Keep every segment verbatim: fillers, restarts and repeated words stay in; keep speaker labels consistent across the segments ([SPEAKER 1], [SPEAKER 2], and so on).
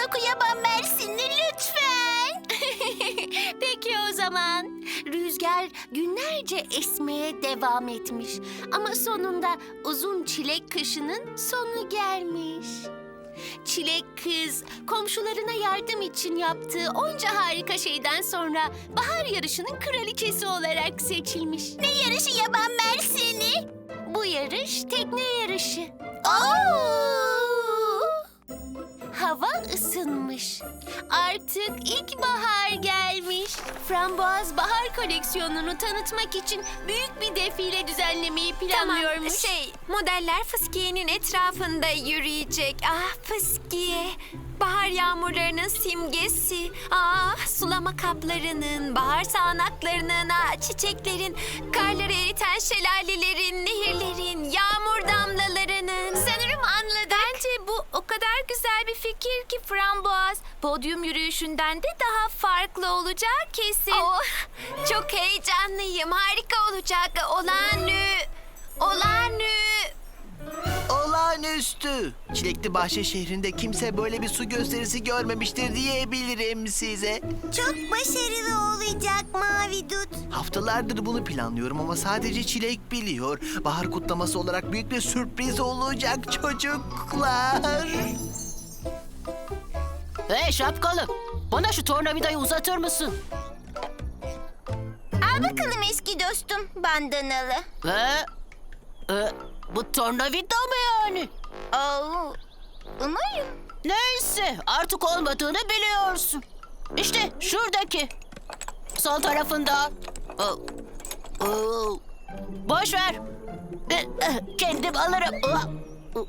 [SPEAKER 1] doku yaban mersini lütfen.
[SPEAKER 2] Peki o zaman. Rüzgar günlerce esmeye devam etmiş. Ama sonunda uzun çilek kışının sonu gelmiş. Çilek kız komşularına yardım için yaptığı onca harika şeyden sonra bahar yarışının kraliçesi olarak seçilmiş.
[SPEAKER 1] Ne yarışı yaban mersini?
[SPEAKER 2] Bu yarış tekne yarışı.
[SPEAKER 1] Oo!
[SPEAKER 2] Hava ısınmış. Artık ilkbahar gelmiş. Frambuaz bahar koleksiyonunu tanıtmak için büyük bir defile düzenlemeyi planlıyormuş.
[SPEAKER 3] Tamam, şey, modeller fıskiyenin etrafında yürüyecek. Ah fıskiye, bahar yağmurlarının simgesi. Ah sulama kaplarının, bahar sağanaklarının, ah, çiçeklerin, karları eriten şelalelerin, nehirlerin, yağmur damlalarının.
[SPEAKER 2] Sanırım anladık.
[SPEAKER 3] Bence bu o kadar güzel bir fikir ki Frambuaz. Podyum yürüyüşünden de daha farklı olacak kesin. Oh, çok heyecanlıyım. Harika olacak. Olağanü. Olağanü.
[SPEAKER 4] Olağanüstü. Çilekli Bahçe şehrinde kimse böyle bir su gösterisi görmemiştir diyebilirim size.
[SPEAKER 1] Çok başarılı olacak Mavi Dut.
[SPEAKER 4] Haftalardır bunu planlıyorum ama sadece Çilek biliyor. Bahar kutlaması olarak büyük bir sürpriz olacak çocuklar.
[SPEAKER 5] Hey şapkalı, bana şu tornavidayı uzatır mısın?
[SPEAKER 1] Al bakalım eski dostum bandanalı.
[SPEAKER 5] He? E, bu tornavida mı yani?
[SPEAKER 1] Oo, umarım.
[SPEAKER 5] Neyse, artık olmadığını biliyorsun. İşte şuradaki. Sol tarafında. Oo, oo. Boş ver. E, e, kendim alırım. Oo.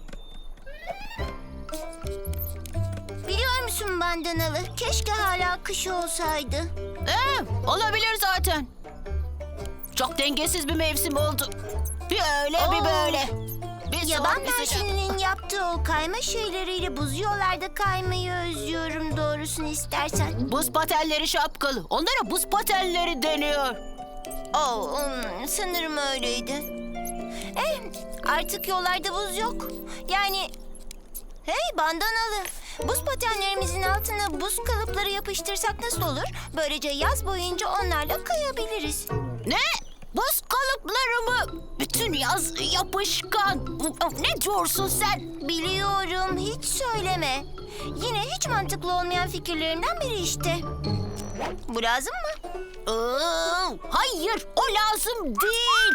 [SPEAKER 1] Biliyor musun bandanalı? Keşke hala kış olsaydı.
[SPEAKER 5] E, olabilir zaten. Çok dengesiz bir mevsim oldu. Bir öyle bir
[SPEAKER 1] Oo.
[SPEAKER 5] böyle. Bir
[SPEAKER 1] Yaban
[SPEAKER 5] soğuk, bir sıcak.
[SPEAKER 1] mersininin yaptığı o kayma şeyleriyle buz yollarda kaymayı özlüyorum doğrusunu istersen.
[SPEAKER 5] Buz patenleri şapkalı. Onlara buz patenleri deniyor.
[SPEAKER 1] Oo, hmm, sanırım öyleydi. Eh, artık yollarda buz yok. Yani... Hey bandanalı, buz patenlerimizin altına buz kalıpları yapıştırsak nasıl olur? Böylece yaz boyunca onlarla kayabiliriz.
[SPEAKER 5] Ne? Buz kalıpları mı? Bütün yaz yapışkan. Ne diyorsun sen?
[SPEAKER 1] Biliyorum, hiç söyleme. Yine hiç mantıklı olmayan fikirlerimden biri işte. Bu lazım mı?
[SPEAKER 5] Aa, hayır, o lazım değil.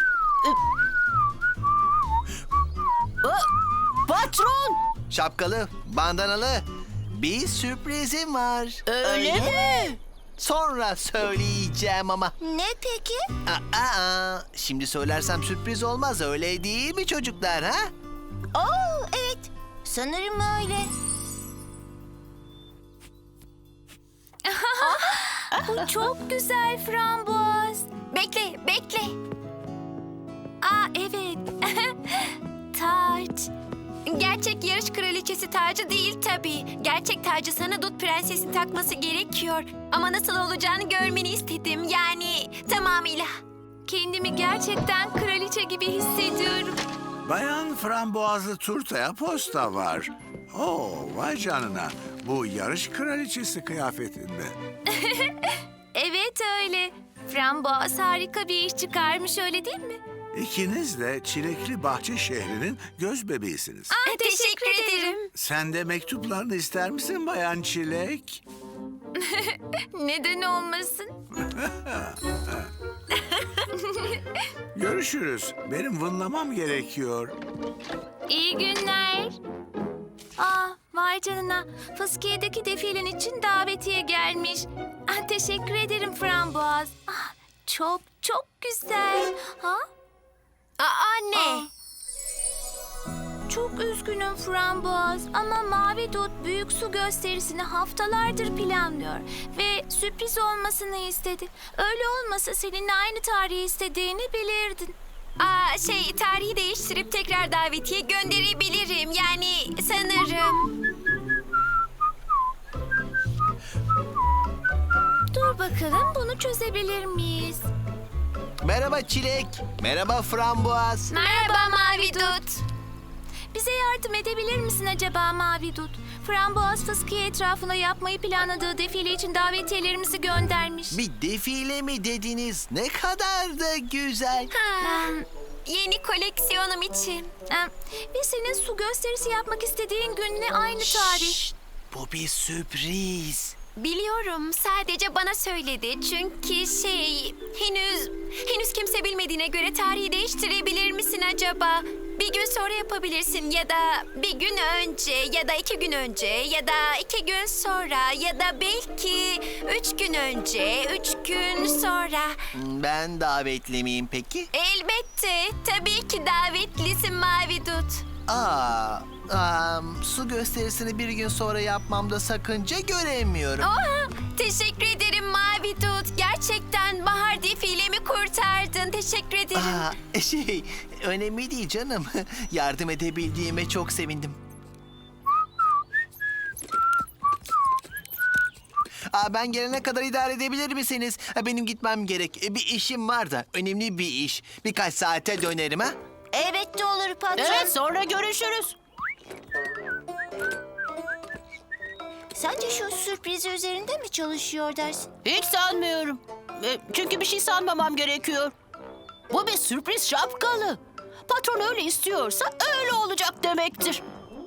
[SPEAKER 5] Ee, Patron,
[SPEAKER 4] Şapkalı, bandanalı. Bir sürprizim var.
[SPEAKER 5] öyle mi?
[SPEAKER 4] Sonra söyleyeceğim ama.
[SPEAKER 1] Ne peki?
[SPEAKER 4] Aa, aa, şimdi söylersem sürpriz olmaz, öyle değil mi çocuklar ha?
[SPEAKER 1] Oo, evet. Sanırım öyle.
[SPEAKER 3] Bu çok güzel Frambuaz. Bekle, bekle. Aa evet. Taç. Gerçek yarış kraliçesi tacı değil tabii. Gerçek tacı sana Dut Prenses'in takması gerekiyor. Ama nasıl olacağını görmeni istedim. Yani tamamıyla. Kendimi gerçekten kraliçe gibi hissediyorum.
[SPEAKER 6] Bayan frambuazlı turtaya posta var. Oo, vay canına. Bu yarış kraliçesi kıyafetinde.
[SPEAKER 3] Evet öyle. Frambuaz harika bir iş çıkarmış öyle değil mi?
[SPEAKER 6] İkiniz de Çilekli Bahçe şehrinin göz bebeğisiniz.
[SPEAKER 3] Aa, teşekkür ederim.
[SPEAKER 6] Sen de mektuplarını ister misin Bayan Çilek?
[SPEAKER 3] Neden olmasın?
[SPEAKER 6] Görüşürüz. Benim vınlamam gerekiyor.
[SPEAKER 3] İyi günler. Aa, vay canına. Fıskiye'deki defilen için davetiye gelmiş. Ah, teşekkür ederim Frambuaz. Ah, çok çok güzel. Ha? Aa, ne? Çok üzgünüm Frambuaz ama Mavi Dut büyük su gösterisini haftalardır planlıyor ve sürpriz olmasını istedi. Öyle olmasa seninle aynı tarihi istediğini bilirdin. Aa, şey tarihi değiştirip tekrar davetiye gönderebilirim. Yani sanırım. Dur bakalım bunu çözebilir miyiz?
[SPEAKER 4] Merhaba Çilek, merhaba Frambuaz.
[SPEAKER 3] Merhaba Mavi Dut. Bize yardım edebilir misin acaba Mavi Dut? Framboaz fıskiye etrafına yapmayı planladığı defile için davetiyelerimizi göndermiş.
[SPEAKER 4] Bir defile mi dediniz? Ne kadar da güzel.
[SPEAKER 3] Yeni koleksiyonum için. Ee, Ve senin su gösterisi yapmak istediğin günle aynı tarih.
[SPEAKER 4] Şşt, bu bir sürpriz.
[SPEAKER 3] Biliyorum, sadece bana söyledi. Çünkü şey, henüz henüz kimse bilmediğine göre tarihi değiştirebilir misin acaba? Bir gün sonra yapabilirsin ya da bir gün önce ya da iki gün önce ya da iki gün sonra ya da belki üç gün önce, üç gün sonra.
[SPEAKER 4] Ben davetli miyim peki?
[SPEAKER 3] Elbette, tabii ki davetlisin Mavi Dut.
[SPEAKER 4] Aa, am, su gösterisini bir gün sonra yapmamda sakınca göremiyorum.
[SPEAKER 3] Oha, teşekkür ederim Mavi Dut. Gerçekten bahar defilemi kurtardın. Teşekkür ederim.
[SPEAKER 4] Aa, şey, önemli değil canım. Yardım edebildiğime çok sevindim. Aa, ben gelene kadar idare edebilir misiniz? Ha, benim gitmem gerek. E, Bir işim var da, önemli bir iş. Birkaç saate dönerim ha.
[SPEAKER 1] Elbette olur patron.
[SPEAKER 5] Evet, sonra görüşürüz.
[SPEAKER 1] Sence şu sürprizi üzerinde mi çalışıyor dersin?
[SPEAKER 5] Hiç sanmıyorum. E, Çünkü bir şey sanmamam gerekiyor. Bu bir sürpriz şapkalı. Patron öyle istiyorsa öyle olacak demektir.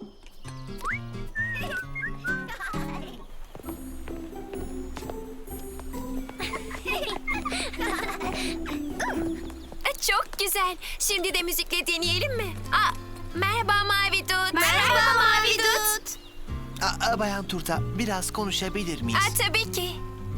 [SPEAKER 3] Çok güzel. Şimdi de müzikle deneyelim mi? Aa, merhaba Mavi Dut.
[SPEAKER 1] Merhaba Mavi Dut.
[SPEAKER 4] Aa, Bayan Turta, biraz konuşabilir miyiz?
[SPEAKER 3] Aa, tabii ki.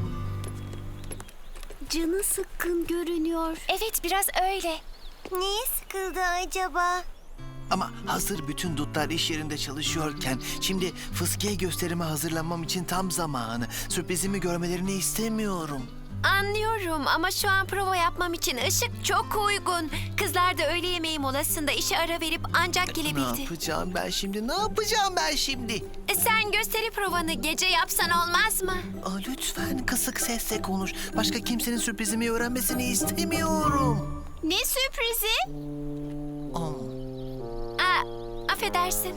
[SPEAKER 2] Canı sıkkın görünüyor.
[SPEAKER 3] Evet, biraz öyle.
[SPEAKER 1] Niye sıkıldı acaba?
[SPEAKER 4] Ama hazır bütün dutlar iş yerinde çalışıyorken şimdi fıskiye gösterime hazırlanmam için tam zamanı. Sürprizimi görmelerini istemiyorum.
[SPEAKER 3] Anlıyorum ama şu an prova yapmam için ışık çok uygun. Kızlar da öğle yemeği molasında işe ara verip ancak
[SPEAKER 4] Ne
[SPEAKER 3] gelebildi.
[SPEAKER 4] yapacağım ben şimdi? Ne yapacağım ben şimdi?
[SPEAKER 3] E, sen gösteri provanı gece yapsan olmaz mı?
[SPEAKER 4] Aa, lütfen kısık sesle konuş. Başka kimsenin sürprizimi öğrenmesini istemiyorum.
[SPEAKER 3] Ne sürprizi?
[SPEAKER 4] Aa.
[SPEAKER 3] Aa, affedersin.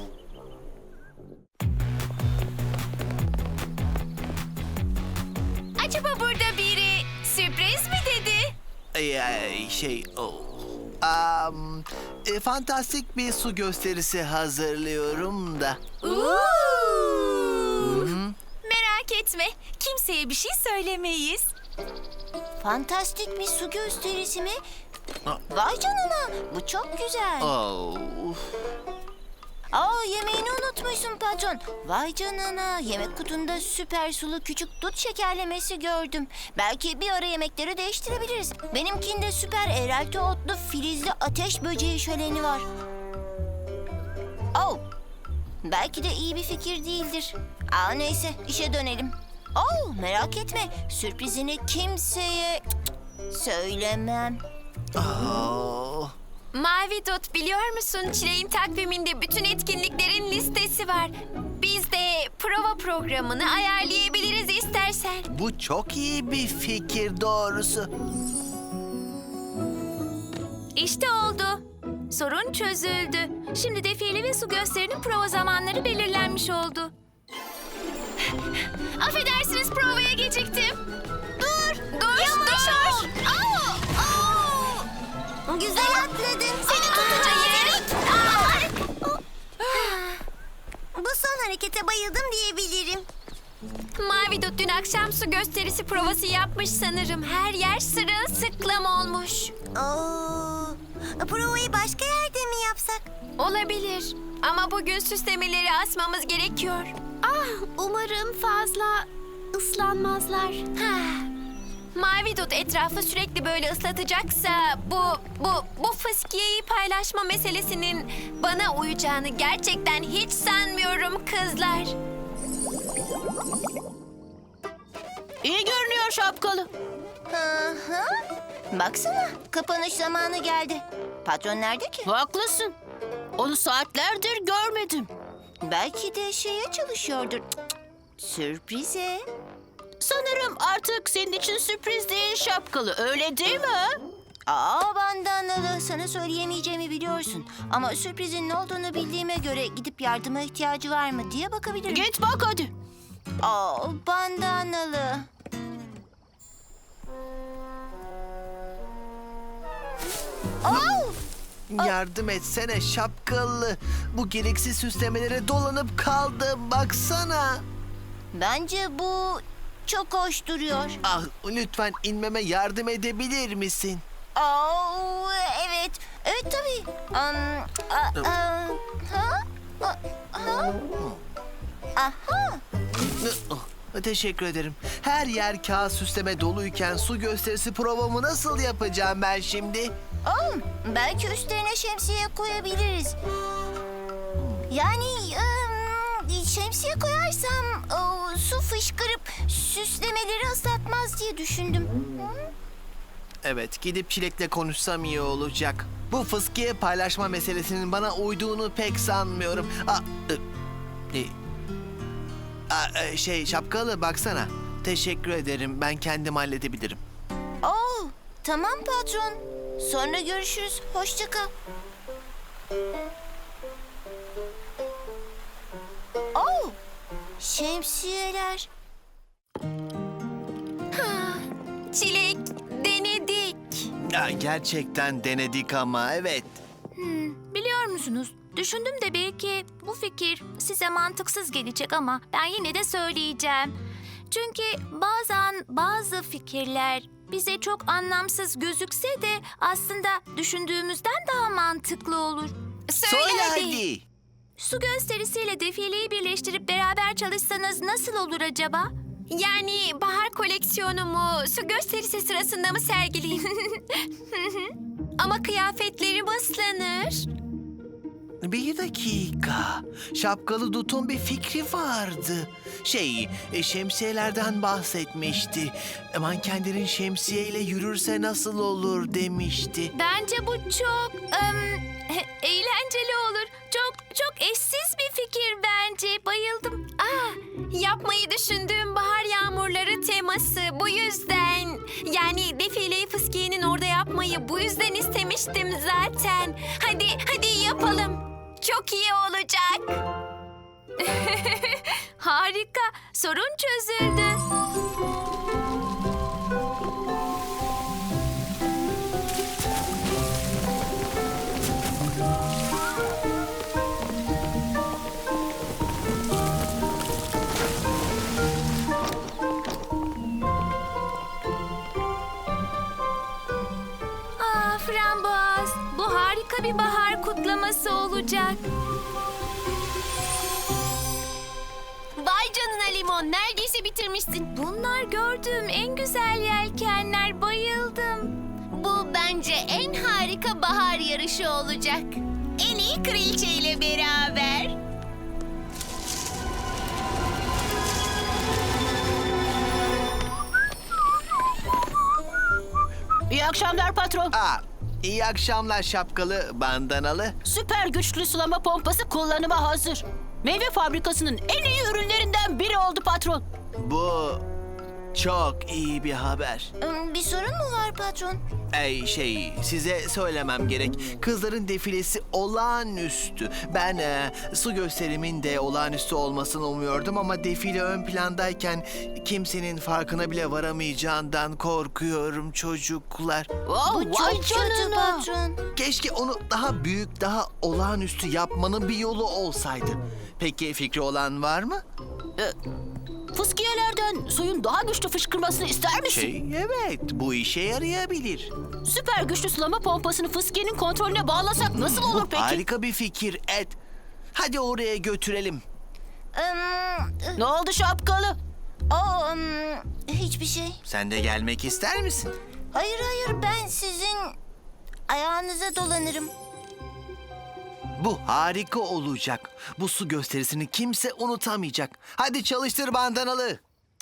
[SPEAKER 3] Acaba burada biri sürpriz mi dedi?
[SPEAKER 4] Ee, şey, oh. Am, e, fantastik bir su gösterisi hazırlıyorum da.
[SPEAKER 3] Merak etme, kimseye bir şey söylemeyiz.
[SPEAKER 1] Fantastik bir su gösterisi mi?
[SPEAKER 4] Aa.
[SPEAKER 1] Vay canına, bu çok güzel.
[SPEAKER 4] Oh.
[SPEAKER 1] Aa, yemeğini unutmuşsun patron. Vay canına, yemek kutunda süper sulu küçük dut şekerlemesi gördüm. Belki bir ara yemekleri değiştirebiliriz. Benimkinde süper erelti otlu filizli ateş böceği şöleni var. Oh, belki de iyi bir fikir değildir. Aa, neyse, işe dönelim. Oh, merak etme, sürprizini kimseye söylemem.
[SPEAKER 4] Oh.
[SPEAKER 3] Mavi Dut, biliyor musun? Çileğin takviminde bütün etkinliklerin listesi var. Biz de prova programını ayarlayabiliriz istersen.
[SPEAKER 4] Bu çok iyi bir fikir doğrusu.
[SPEAKER 3] İşte oldu. Sorun çözüldü. Şimdi defile ve su gösterinin prova zamanları belirlenmiş oldu. Affedersiniz, provaya geciktim. Dur, dur,
[SPEAKER 1] Yavaş
[SPEAKER 3] dur.
[SPEAKER 1] ol. Aa, aa. Güzel atladın. Seni
[SPEAKER 3] tutacağım.
[SPEAKER 1] Bu son harekete bayıldım diyebilirim.
[SPEAKER 3] Mavi Dut dün akşam su gösterisi provası yapmış sanırım. Her yer sırılsıklam olmuş.
[SPEAKER 1] Oo, provayı başka yerde mi yapsak?
[SPEAKER 3] Olabilir. Ama bugün süslemeleri asmamız gerekiyor. Ah, umarım fazla ıslanmazlar. Mavi Dut etrafı sürekli böyle ıslatacaksa bu bu bu fıskiyeyi paylaşma meselesinin bana uyacağını gerçekten hiç sanmıyorum kızlar.
[SPEAKER 5] İyi görünüyor şapkalı.
[SPEAKER 1] Hı hı. Baksana, kapanış zamanı geldi. Patron nerede ki?
[SPEAKER 5] Haklısın. Onu saatlerdir görmedim.
[SPEAKER 1] Belki de şeye çalışıyordur. Cık, cık. Sürprize.
[SPEAKER 5] Sanırım artık senin için sürpriz değil şapkalı, öyle değil mi?
[SPEAKER 1] Aa bandanalı, sana söyleyemeyeceğimi biliyorsun. Ama sürprizin ne olduğunu bildiğime göre gidip yardıma ihtiyacı var mı diye bakabilirim.
[SPEAKER 5] Git bak hadi.
[SPEAKER 1] Aa bandanalı. Oh!
[SPEAKER 4] Yardım etsene şapkalı. Bu gereksiz süslemelere dolanıp kaldım. Baksana.
[SPEAKER 1] Bence bu çok hoş duruyor.
[SPEAKER 4] Ah, lütfen inmeme yardım edebilir misin?
[SPEAKER 1] Aa, evet. Evet tabii. Um, a, a, ha? A, ha? Aha.
[SPEAKER 4] Oh, teşekkür ederim. Her yer kağıt süsleme doluyken su gösterisi provamı nasıl yapacağım ben şimdi?
[SPEAKER 1] Oh, belki üstlerine şemsiye koyabiliriz. Yani ım, şemsiye koyarsam o, su fışkırıp süslemeleri ıslatmaz diye düşündüm. Hı?
[SPEAKER 4] Evet, gidip Çilek'le konuşsam iyi olacak. Bu fıskiye paylaşma meselesinin bana uyduğunu pek sanmıyorum. Aa, e, e, aa, e, şey şapkalı baksana. Teşekkür ederim. Ben kendim halledebilirim.
[SPEAKER 1] Oh, tamam patron. Sonra görüşürüz. Hoşça kal. Oh, şemsiyeler.
[SPEAKER 3] Çilek, denedik.
[SPEAKER 4] Ya, gerçekten denedik ama evet.
[SPEAKER 3] Biliyor musunuz? Düşündüm de belki bu fikir size mantıksız gelecek ama ben yine de söyleyeceğim. Çünkü bazen bazı fikirler bize çok anlamsız gözükse de aslında düşündüğümüzden daha mantıklı olur.
[SPEAKER 4] Söyle hadi.
[SPEAKER 3] Su gösterisiyle defileyi birleştirip beraber çalışsanız nasıl olur acaba? Yani bahar koleksiyonumu su gösterisi sırasında mı sergileyeyim? Ama kıyafetlerim ıslanır.
[SPEAKER 4] Bir dakika. Şapkalı Dut'un bir fikri vardı. Şey, e, şemsiyelerden bahsetmişti. E, Mankenlerin şemsiyeyle yürürse nasıl olur demişti.
[SPEAKER 3] Bence bu çok ım, eğlenceli olur. Çok çok eşsiz bir fikir bence. Bayıldım. Aa, yapmayı düşündüğüm bahar yağmurları teması. Bu yüzden yani defileyi fıskiyenin orada yapmayı bu yüzden istemiştim zaten. Hadi hadi yapalım. Çok iyi olacak. Harika. Sorun çözüldü. Ah frambuaz, bu harika bir bahar kutlaması olacak.
[SPEAKER 2] Vay canına Limon, neredeyse bitirmişsin.
[SPEAKER 3] Bunlar gördüğüm en güzel yelkenler, bayıldım.
[SPEAKER 2] Bu bence en harika bahar yarışı olacak. En iyi kraliçe ile beraber.
[SPEAKER 5] İyi akşamlar patron.
[SPEAKER 4] Aa, iyi akşamlar şapkalı bandanalı.
[SPEAKER 5] Süper güçlü sulama pompası kullanıma hazır. Meyve fabrikasının en iyi ürünlerinden biri oldu patron.
[SPEAKER 4] Bu çok iyi bir haber.
[SPEAKER 1] Im, Bir sorun mu var patron?
[SPEAKER 4] Ey şey, size söylemem gerek. Kızların defilesi olağanüstü. Ben e, su gösterimin de olağanüstü olmasını umuyordum ama defile ön plandayken kimsenin farkına bile varamayacağından korkuyorum çocuklar.
[SPEAKER 5] Oh,
[SPEAKER 1] Bu
[SPEAKER 5] vay
[SPEAKER 1] çok kötü
[SPEAKER 5] canına.
[SPEAKER 1] patron.
[SPEAKER 4] Keşke onu daha büyük, daha olağanüstü yapmanın bir yolu olsaydı. Peki fikri olan var mı?
[SPEAKER 5] Fıskiyelerden suyun daha güçlü fışkırmasını ister misin?
[SPEAKER 4] Şey, evet, bu işe yarayabilir.
[SPEAKER 5] Süper güçlü sulama pompasını fıskiyenin kontrolüne bağlasak nasıl olur
[SPEAKER 4] Bu
[SPEAKER 5] peki?
[SPEAKER 4] harika bir fikir Ed. Hadi oraya götürelim.
[SPEAKER 1] Im,
[SPEAKER 5] Ne oldu şapkalı?
[SPEAKER 1] o, ım, hiçbir şey.
[SPEAKER 4] Sen de gelmek ister misin?
[SPEAKER 1] Hayır hayır, ben sizin ayağınıza dolanırım.
[SPEAKER 4] Bu harika olacak. Bu su gösterisini kimse unutamayacak. Hadi çalıştır bandanalı.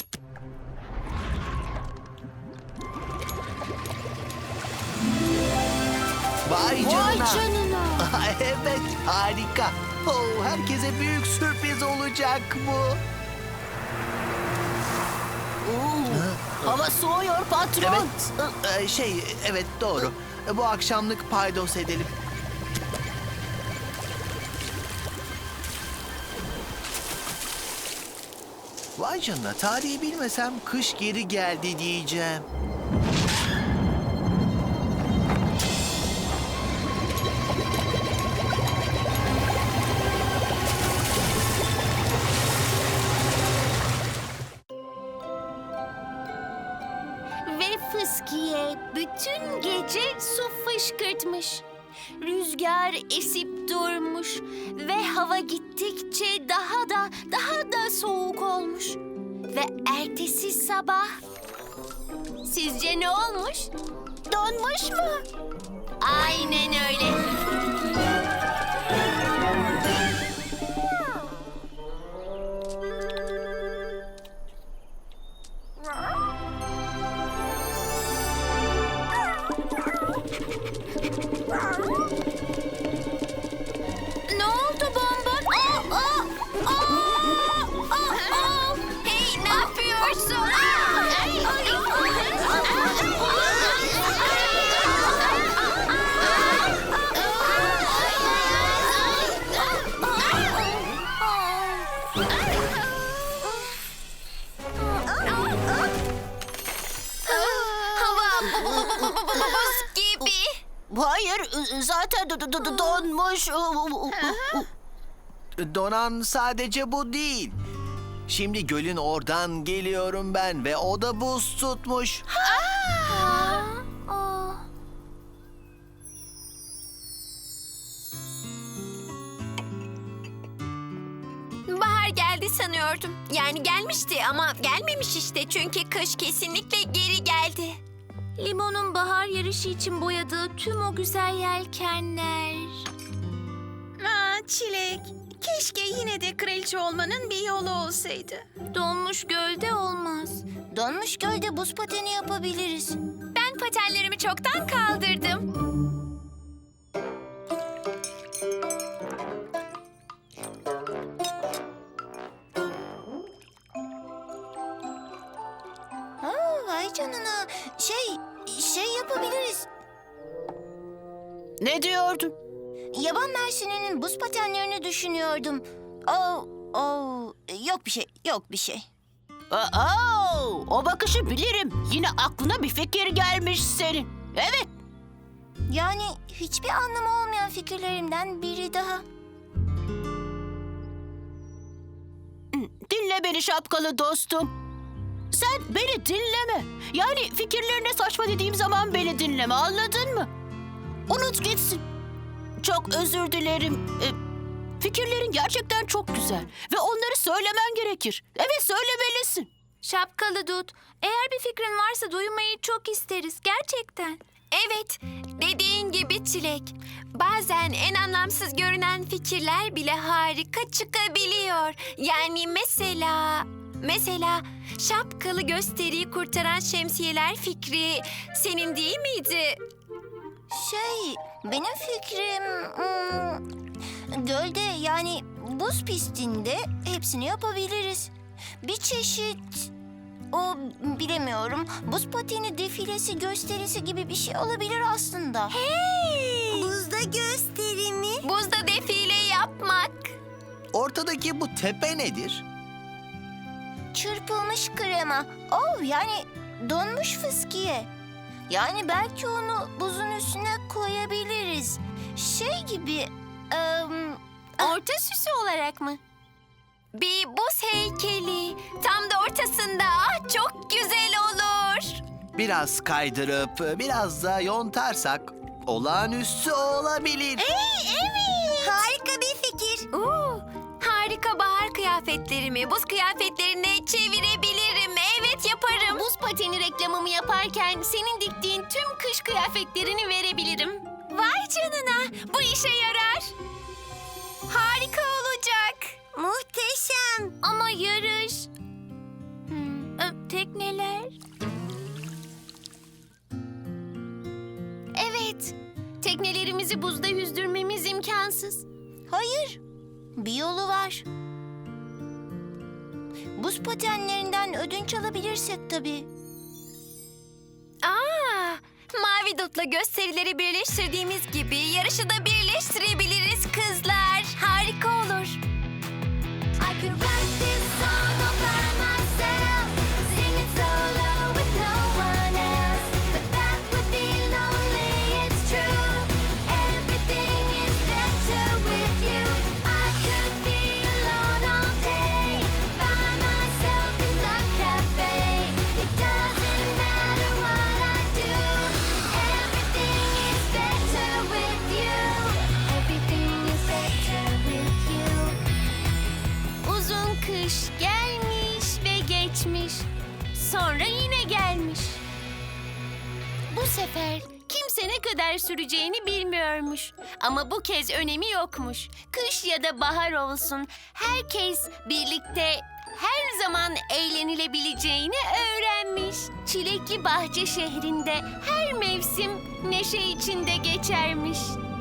[SPEAKER 4] Vay canına.
[SPEAKER 5] Vay canına.
[SPEAKER 4] Evet, harika. Oh, herkese büyük sürpriz olacak bu.
[SPEAKER 5] Oo, hava soğuyor patron.
[SPEAKER 4] Evet, e, şey, evet doğru. bu akşamlık paydos edelim. Vay canına, tarihi bilmesem kış geri geldi diyeceğim.
[SPEAKER 2] Ve fıskiye bütün gece su fışkırtmış. Rüzgar esip durmuş ve hava gittikçe daha da daha da soğuk olmuş. Ve ertesi sabah sizce ne olmuş? Donmuş mu? Aynen öyle.
[SPEAKER 3] Ne oldu bonbon? Aa, aa, aa, aa, aa. Hey, ne yapıyorsun? Ay, ay, hava bu- bu- bu- bu- bu- bu- buz gibi.
[SPEAKER 5] Hayır, zaten do- do- do- donmuş.
[SPEAKER 4] Donan sadece bu değil. Şimdi gölün oradan geliyorum ben ve o da buz tutmuş.
[SPEAKER 3] Bahar geldi sanıyordum. Yani gelmişti ama gelmemiş işte. Çünkü kış kesinlikle geri geldi. Limon'un bahar yarışı için boyadığı tüm o güzel yelkenler.
[SPEAKER 7] Aa, Çilek, keşke yine de kraliçe olmanın bir yolu olsaydı.
[SPEAKER 3] Donmuş gölde olmaz.
[SPEAKER 1] Donmuş gölde buz pateni yapabiliriz.
[SPEAKER 3] Ben patenlerimi çoktan kaldırdım.
[SPEAKER 1] Ha, vay canına. Şey, şey yapabiliriz.
[SPEAKER 5] Ne diyordun?
[SPEAKER 1] Yaban mersininin buz patenlerini düşünüyordum. Oh, oh, yok bir şey, yok bir şey.
[SPEAKER 5] Aa, o bakışı bilirim. Yine aklına bir fikir gelmiş senin. Evet.
[SPEAKER 1] Yani hiçbir anlamı olmayan fikirlerimden biri daha.
[SPEAKER 5] Dinle beni şapkalı dostum. Sen beni dinleme. Yani fikirlerine saçma dediğim zaman beni dinleme, anladın mı? Unut gitsin. Çok özür dilerim. Ee, fikirlerin gerçekten çok güzel. Ve onları söylemen gerekir. Evet, söylemelisin.
[SPEAKER 3] Şapkalı Dut, eğer bir fikrin varsa duymayı çok isteriz gerçekten. Evet, dediğin gibi Çilek. Bazen en anlamsız görünen fikirler bile harika çıkabiliyor. Yani mesela... Mesela şapkalı gösteriyi kurtaran şemsiyeler fikri senin değil miydi?
[SPEAKER 1] Şey, benim fikrim... hmm, gölde yani buz pistinde hepsini yapabiliriz. Bir çeşit... O bilemiyorum. Buz pateni defilesi gösterisi gibi bir şey olabilir aslında.
[SPEAKER 3] Hey!
[SPEAKER 1] Buzda gösteri mi?
[SPEAKER 3] Buzda defile yapmak.
[SPEAKER 4] Ortadaki bu tepe nedir?
[SPEAKER 1] Çırpılmış krema. Oh, yani donmuş fıskiye. Yani belki onu buzun üstüne koyabiliriz. Şey gibi... em,
[SPEAKER 3] Orta süsü olarak mı? Bir buz heykeli. Tam da ortasında. Ah, çok güzel olur.
[SPEAKER 4] Biraz kaydırıp biraz da yontarsak olağanüstü olabilir.
[SPEAKER 1] harika bir fikir.
[SPEAKER 3] Oo, harika bahar kıyafetlerimi buz kıyafetlerine çevirebilirim. Evet, yaparım.
[SPEAKER 2] Buz pateni reklamımı yaparken senin diktiğin tüm kış kıyafetlerini verebilirim.
[SPEAKER 3] Vay canına. Bu işe yarar. Harika olacak.
[SPEAKER 1] Muhteşem.
[SPEAKER 3] Ama yarış... Hmm, ö, tekneler...
[SPEAKER 2] Evet, teknelerimizi buzda yüzdürmemiz imkansız.
[SPEAKER 1] Hayır, bir yolu var. Buz patenlerinden ödünç alabilirsek tabii.
[SPEAKER 3] Aa, mavi Semidot'la gösterileri birleştirdiğimiz gibi yarışı da birleştirebiliriz kızlar. Harika olur.
[SPEAKER 8] I could write this song all by myself, sing it solo with no one else. But that would be lonely, it's true. Everything is better with you. I could be alone all day, by myself in the cafe. It doesn't matter what I do. Everything is better with you. Everything is better with you.
[SPEAKER 2] Uzun kış gelmiş ve geçmiş. Sonra yine gelmiş. Bu sefer kimse ne kadar süreceğini bilmiyormuş. Ama bu kez önemi yokmuş. Kış ya da bahar olsun, herkes birlikte her zaman eğlenilebileceğini öğrenmiş. Çilekli Bahçe şehrinde her mevsim neşe içinde geçermiş.